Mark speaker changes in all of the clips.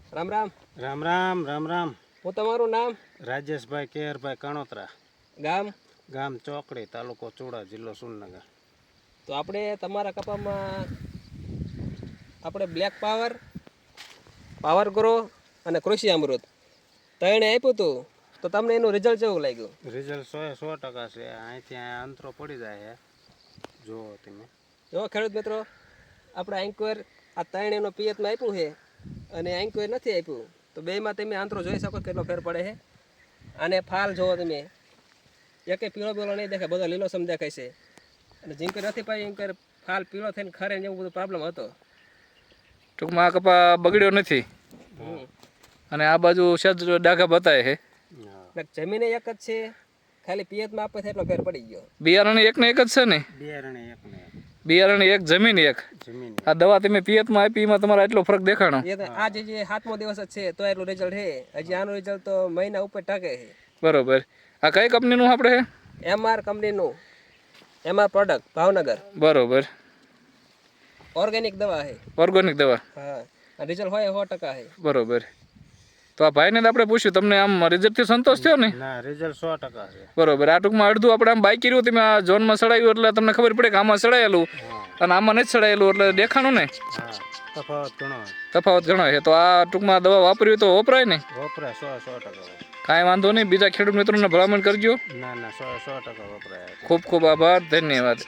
Speaker 1: રામ રામ.
Speaker 2: રામ રામ રામ રામ.
Speaker 1: હું તમારું નામ?
Speaker 2: રાજેશભાઈ કેહરભાઈ કણોતરા.
Speaker 1: ગામ?
Speaker 2: ગામ ચોકડી, તાલુકો ચુડા, જિલ્લો સુરનગર.
Speaker 1: તો આપણે તમારા કપામાં આપણે બ્લેક પાવર, પાવર ગ્રો અને કૃષિ અમૃત ત્રણે આપ્યું હતું. તો તમને એનું રિઝલ્ટ કેવું લાગ્યું?
Speaker 2: રિઝલ્ટ 100% છે. અહીંથી અહીંયા અંતરો પડી જાય છે. જુઓ તમે.
Speaker 1: જો ખેડૂત મિત્રો, આપણે એન્કવેર આ ત્રણેયનો પિયતમાં આપ્યું છે અને એન્કવેર નથી આપ્યું. તો બેમાં તમે આંતરો જોઈ શકો કેટલો ફેર પડે છે. અને ફાલ જુઓ તમે, એકે પીળો પીળો નહીં દેખાય, બધો લીલોસમ દેખાય છે. અને જીંકર નથી પાઈ એન્કવેર ફાલ પીળો થઈને ખરે ને એવું બધું પ્રોબ્લેમ હતો.
Speaker 3: ટૂંકમાં આ કપા બગડ્યો નથી અને આ બાજુ સજ ડાઘા બતાવે છે.
Speaker 1: જમીને એક જ છે, ખાલી પિયતમાં આપે એટલો ફેર પડી ગયો.
Speaker 3: બિયારણ એક ને એક જ છે ને? બિયારણ એક, જમીન એક. આ દવા તમે પિયતમાં આપી એમાં તમારે એટલો ફરક દેખાણો?
Speaker 1: આજે જે 7મો દિવસ જ છે તો એટલું રિઝલ્ટ છે. હજી આનું રિઝલ્ટ તો મહિના ઉપર ટકે છે.
Speaker 3: બરોબર. આ કઈ કંપનીનું આપણે છે?
Speaker 1: MR કંપનીનું, MR પ્રોડક્ટ, ભાવનગર.
Speaker 3: બરોબર.
Speaker 1: ઓર્ગેનિક દવા છે.
Speaker 3: ઓર્ગેનિક દવા?
Speaker 1: હા, રિઝલ્ટ હોય 100% છે.
Speaker 3: બરોબર. તો આ ભાઈને આપણે પૂછ્યું, તમને આમ રિઝલ્ટથી સંતોષ થયો ને?
Speaker 2: ના, રિઝલ્ટ 100% છે.
Speaker 3: બરોબર. આ ટૂંકમાં અડધું આપણે આમ બાઈક કર્યું, તમે આ ઝોનમાં સડાવ્યું એટલે તમને ખબર પડે કે આમાં સડાયેલું અને આમાં નથી સડાયેલું એટલે દેખાણું ને?
Speaker 2: હા, તફાવત ઘણો.
Speaker 3: તફાવત ઘણો છે. તો આ ટૂંકમાં દવા વાપરવી તો વપરાય ને?
Speaker 2: વપરાય 100%.
Speaker 3: કાંઈ વાંધો નહીં. બીજા ખેડૂત મિત્રોને ભલામણ કરજો.
Speaker 2: ના ના, 100% વપરાય.
Speaker 3: ખૂબ ખૂબ આભાર, ધન્યવાદ.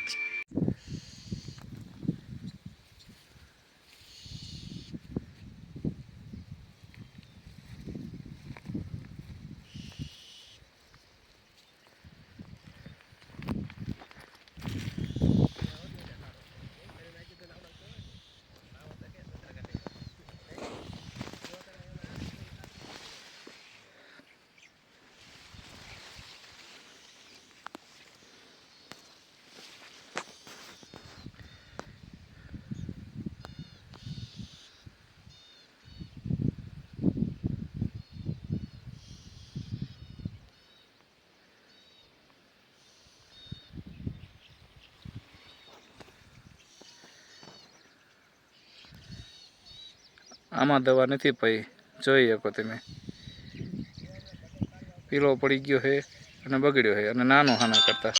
Speaker 3: આમાં દવા નથી ભાઈ, જોઈ શકો તમે. પીળો પડી ગયો છે અને બગડ્યો છે અને નાનો હાના કરતા.